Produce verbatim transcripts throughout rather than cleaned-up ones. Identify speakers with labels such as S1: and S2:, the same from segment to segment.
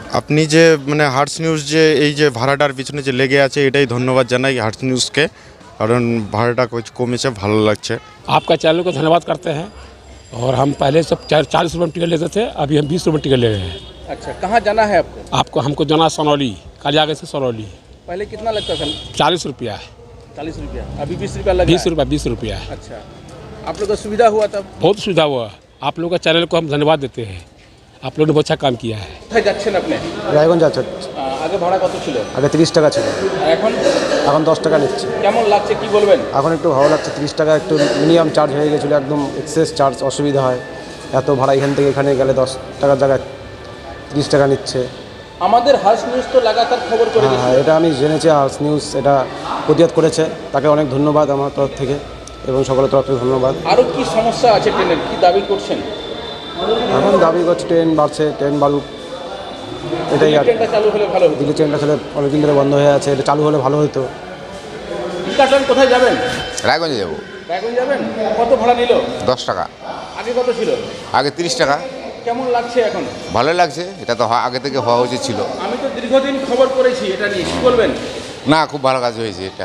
S1: আপনি যে মানে হার্টস নিউজ যে এই যে ভাড়াটার পিছনে যে লেগে আছে এটাই ধন্যবাদ জানাই হার্টস নিউজকে, কারণ ভাড়াটা কমেছে, ভালো লাগছে।
S2: आपका चैनल को धन्यवाद करते हैं। और हम पहले सब चालीस रुपये में टिकट लेते थे, अभी हम बीस रुपये टिकट ले रहे हैं।
S3: अच्छा, कहाँ जाना है आपको?
S2: आपको हमको जाना सनौली, कालियागंज से सनौली।
S3: पहले कितना लगता था?
S2: चालीस रुपया है।
S3: चालीस रुपया, अभी बीस रुपया लगा?
S2: बीस रुपया बीस रुपया है।
S3: अच्छा, आप लोग को सुविधा हुआ तब?
S2: बहुत सुविधा हुआ। आप लोगों का चैनल को हम धन्यवाद देते हैं, आप लोगों ने बहुत अच्छा काम किया है।
S3: কোথায় যাচ্ছেন আপনি?
S4: রায়গঞ্জ যাচ্ছে।
S3: আহ, আগে ভাড়া কত ছিল?
S4: আগে তিরিশ টাকা ছিল,
S3: আর এখন?
S4: এখন দশ টাকা নিচ্ছে।
S3: কেমন লাগছে কি বলবেন?
S4: এখন একটু ভালো লাগছে, তিরিশ টাকা একটু মিনিমাম চার্জ হয়ে গেছিলো, একদম এক্সেস চার্জ, অসুবিধা হয়। এত ভাড়া এখান থেকে এখানে গেলে দশ টাকার জায়গায় তিরিশ টাকা নিচ্ছে।
S3: আমাদের হার্স নিউজ তো লাগাতার খবর করে
S4: হ্যাঁ হ্যাঁ, এটা আমি জেনেছি, হার্স নিউজ এটা প্রতিবাদ করেছে, তাকে অনেক ধন্যবাদ আমার তরফ থেকে এবং সকলের তরফ থেকে ধন্যবাদ।
S3: আরও কি সমস্যা আছে ট্রেনের, কি দাবি করছেন?
S4: এখন দাবি করছে ট্রেন বাড়ছে, ট্রেন বাড়ুক, এটাই আর।
S3: ট্রেনটা চালু হলে ভালো হতো।
S4: দিল্লি ট্রেনটা ছেলে অনেকদিন ধরে বন্ধ হয়ে আছে, এটা চালু হলে ভালো হতো।
S3: ট্রেন কোথায় যাবেন?
S5: রায়গঞ্জে যাবো।
S3: রায়গঞ্জ যাবেন? কত ভাড়া নিল?
S5: দশ টাকা।
S3: আগে কত ছিল?
S5: আগে তিরিশ টাকা।
S3: কেমন লাগছে এখন?
S5: ভালো লাগছে, এটা তো হ- আগে থেকে হওয়া উচিত ছিল।
S3: আমি তো দীর্ঘদিন খবর করেছি এটা নিয়ে, কি বলবেন?
S5: না, খুব ভালো কাজ হয়েছে এটা।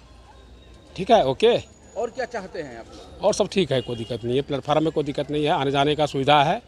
S2: ठीक है, ओके।
S3: और क्या चाहते हैं आप लोग?
S2: और सब ठीक है, कोई दिक्कत नहीं है। प्लेटफार्म में कोई दिक्कत नहीं है, आने जाने का सुविधा है।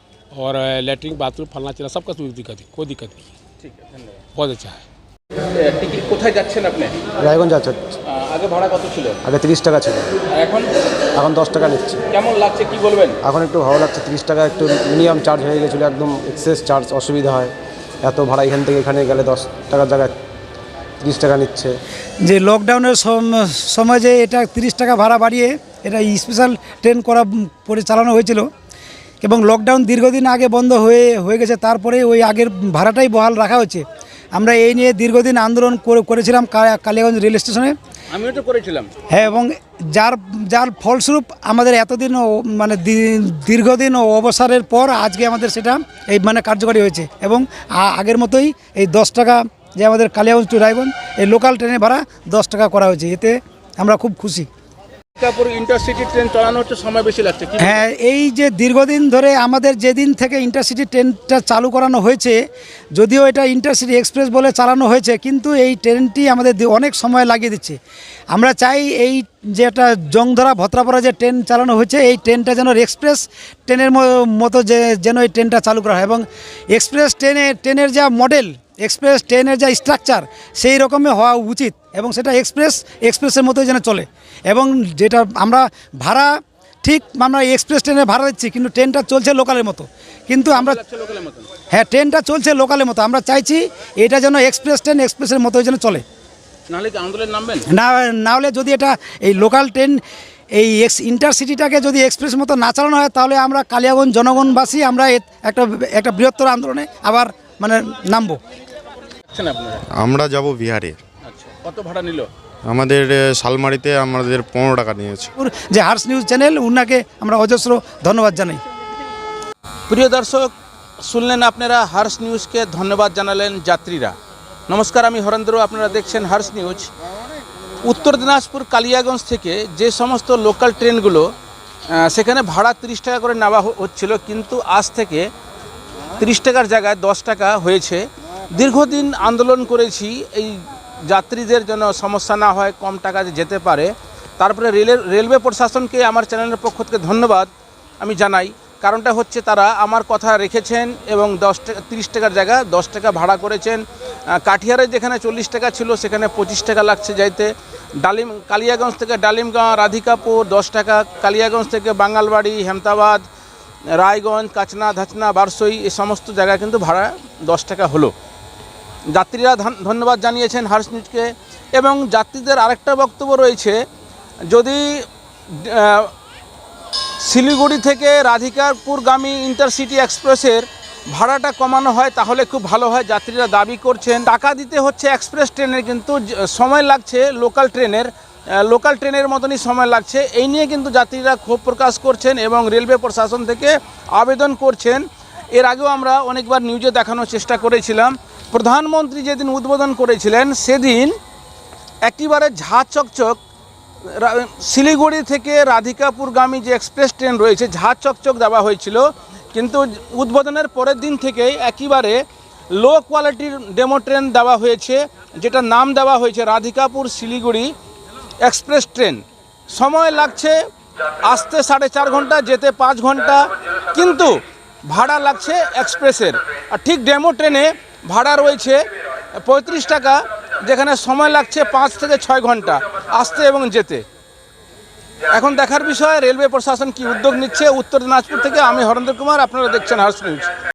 S2: और लेटरिन बाथरूम फलना चला सबका कोई दिक्कत है, कोई दिक्कत नहीं है।
S3: ঠিক আছে, ধন্যবাদ।
S2: बहुत अच्छा है।
S3: এ, টিকিট কোথায় যাচ্ছেন আপনি?
S4: রায়গঞ্জ যাচ্ছে।
S3: আহ, আগে ভাড়া কত ছিল?
S4: আগে তিরিশ টাকা ছিল,
S3: আর এখন?
S4: এখন দশ টাকা নিচ্ছে।
S3: কেমন লাগছে কি বলবেন?
S4: এখন একটু ভালো লাগছে, তিরিশ টাকা একটু মিনিমাম চার্জ হয়ে গেছিলো, একদম এক্সেস চার্জ, অসুবিধা হয়। এত ভাড়া এখান থেকে এখানে গেলে দশ টাকার জায়গায় তিরিশ টাকা নিচ্ছে।
S6: যে লকডাউনের সম- সময় যে এটা তিরিশ টাকা ভাড়া বাড়িয়ে এটা স্পেশাল ট্রেন করা পরে চালানো হয়েছিল এবং লকডাউন দীর্ঘদিন আগে বন্ধ হয়ে হয়ে গেছে, তারপরে ওই আগের ভাড়াটাই বহাল রাখা হচ্ছে। আমরা এই নিয়ে দীর্ঘদিন আন্দোলন করে- করেছিলাম কা- কালিয়াগঞ্জ রেল স্টেশনে।
S3: আমিও তো করেছিলাম।
S6: হ্যাঁ, এবং যার যার ফলস্বরূপ আমাদের এতদিন ও- মানে দী- দীর্ঘদিন ও অবসরের পর আজকে আমাদের সেটা এই মানে কার্যকরী হয়েছে এবং আ- আগের মতোই এই দশ টাকা যে আমাদের কালিয়াগঞ্জ টু রায়গঞ্জ এই লোকাল ট্রেনের ভাড়া দশ টাকা করা হয়েছে, এতে আমরা খুব খুশি।
S3: তারপর ইন্টারসিটি ট্রেন চালানো হচ্ছে, সময় বেশি লাগছে কি?
S6: হ্যাঁ, এই যে দীর্ঘদিন ধরে আমাদের যেদিন থেকে ইন্টারসিটি ট্রেনটা চালু করানো হয়েছে, যদিও এটা ইন্টারসিটি এক্সপ্রেস বলে চালানো হয়েছে, কিন্তু এই ট্রেনটি আমাদের দি- অনেক সময় লাগিয়ে দিচ্ছে। আমরা চাই এই যে একটা জংধরা ভত্রাপাড়া যে ট্রেন চালানো হয়েছে, এই ট্রেনটা যেন এক্সপ্রেস ট্রেনের ম- মতো যে যেন এই ট্রেনটা চালু করা হয় এবং এক্সপ্রেস ট্রেনে ট্রেনের যা মডেল, এক্সপ্রেস ট্রেনের যা স্ট্রাকচার সেই রকমই হওয়া উচিত এবং সেটা এক্সপ্রেস এক্সপ্রেসের মতোই যেন চলে। এবং যেটা আমরা ভাড়া ঠিক আমরা এক্সপ্রেস ট্রেনে ভাড়া দিচ্ছি, কিন্তু ট্রেনটা চলছে লোকালের মতো, কিন্তু আমরা
S3: লোকালের মতন।
S6: হ্যাঁ ট্রেনটা চলছে লোকালের মতো, আমরা চাইছি এটা যেন এক্সপ্রেস ট্রেন এক্সপ্রেসের মতোই যেন চলে।
S3: নাহলে কি আন্দোলন নামবেন?
S6: না না হলে যদি এটা এই লোকাল ট্রেন এই এক্স ইন্টারসিটিটাকে যদি এক্সপ্রেস মতো না চালানো হয়, তাহলে আমরা কালিয়াগঞ্জ জনগণবাসী আমরা এ- একটা একটা বৃহত্তর আন্দোলনে আবার মানে নামবো।
S3: আচ্ছা, আপনারা?
S1: আমরা যাব বিহারে।
S3: আচ্ছা, কত ভাড়া নিল?
S1: আমাদের এ, শালমারিতে আমাদের পনেরো টাকা নিয়েছে।
S6: যে হার্স নিউজ চ্যানেল, উনাকে আমরা অজস্র ধন্যবাদ জানাই।
S3: প্রিয় দর্শক, শুনলেন আপনারা হার্স নিউজকে ধন্যবাদ জানালেন যাত্রীরা। নমস্কার, আমি হরেন্দ্র, আপনারা দেখছেন হার্স নিউজ। উত্তর দিনাজপুর কালিয়াগঞ্জ থেকে যে সমস্ত লোকাল ট্রেনগুলো আহ, সেখানে ভাড়া তিরিশ টাকা করে নেওয়া হ- হচ্ছিল, কিন্তু আজ থেকে তিরিশ টাকার জায়গায় দশ টাকা হয়েছে। দীর্ঘদিন আন্দোলন করেছি এই যাত্রীদের জন্য সমস্যা না হয়, কম টাকায় যেতে পারে। তারপরে রেলের রেলওয়ে প্রশাসনকে আমার চ্যানেলের পক্ষ থেকে ধন্যবাদ আমি জানাই। কারণটা হচ্ছে তারা আমার কথা রেখেছেন এবং দশ টাকা তিরিশ টাকার জায়গায় দশ টাকা ভাড়া করেছেন। আহ, কাঠিয়ারে যেখানে চল্লিশ টাকা ছিল সেখানে পঁচিশ টাকা লাগছে যাইতে। ডালিম কালিয়াগঞ্জ থেকে ডালিমগাঁও রাধিকাপুর দশ টাকা, কালিয়াগঞ্জ থেকে বাঙ্গালবাড়ি, হেমতাবাদ, রায়গঞ্জ, কাচনা, ধাচনা, বারসই এই সমস্ত জায়গায় কিন্তু ভাড়া দশ টাকা হলো। যাত্রীরা ধন- ধন্যবাদ জানিয়েছেন হার্স নিউজকে। এবং যাত্রীদের আরেকটা বক্তব্য রয়েছে, যদি আহ, শিলিগুড়ি থেকে রাধিকাপুরগামী ইন্টারসিটি এক্সপ্রেসের ভাড়াটা কমানো হয় তাহলে খুব ভালো হয়। যাত্রীরা দাবি করছেন টাকা দিতে হচ্ছে এক্সপ্রেস ট্রেনের, কিন্তু জ- সময় লাগছে লোকাল ট্রেনের লোকাল ট্রেনের মতনই সময় লাগছে। এই নিয়ে কিন্তু যাত্রীরা ক্ষোভ প্রকাশ করছেন এবং রেলওয়ে প্রশাসন থেকে আবেদন করছেন। এর আগেও আমরা অনেকবার নিউজে দেখানোর চেষ্টা করেছিলাম। প্রধানমন্ত্রী যেদিন উদ্বোধন করেছিলেন সেদিন একেবারে ঝাঁ চকচক রা- শিলিগুড়ি থেকে রাধিকাপুরগামী যে এক্সপ্রেস ট্রেন রয়েছে ঝাঁ চকচক দেওয়া হয়েছিল, কিন্তু উদ্বোধনের পরের দিন থেকেই একেবারে লো কোয়ালিটির ডেমো ট্রেন দেওয়া হয়েছে, যেটা নাম দেওয়া হয়েছে রাধিকাপুর শিলিগুড়ি এক্সপ্রেস ট্রেন। সময় লাগছে আসতে সাড়ে চার ঘন্টা, যেতে পাঁচ ঘন্টা, কিন্তু ভাড়া লাগছে এক্সপ্রেসের। আর ঠিক ডেমো ট্রেনে ভাড়া রয়েছে পঁয়ত্রিশ টাকা, যেখানে সময় লাগছে পাঁচ থেকে ছয় ঘন্টা আসতে এবং যেতে। এখন দেখার বিষয় রেলওয়ে প্রশাসন কি উদ্যোগ নিচ্ছে। উত্তর দিনাজপুর থেকে আমি হরেন্দ্র কুমার, আপনারা দেখছেন হার্স নিউজ।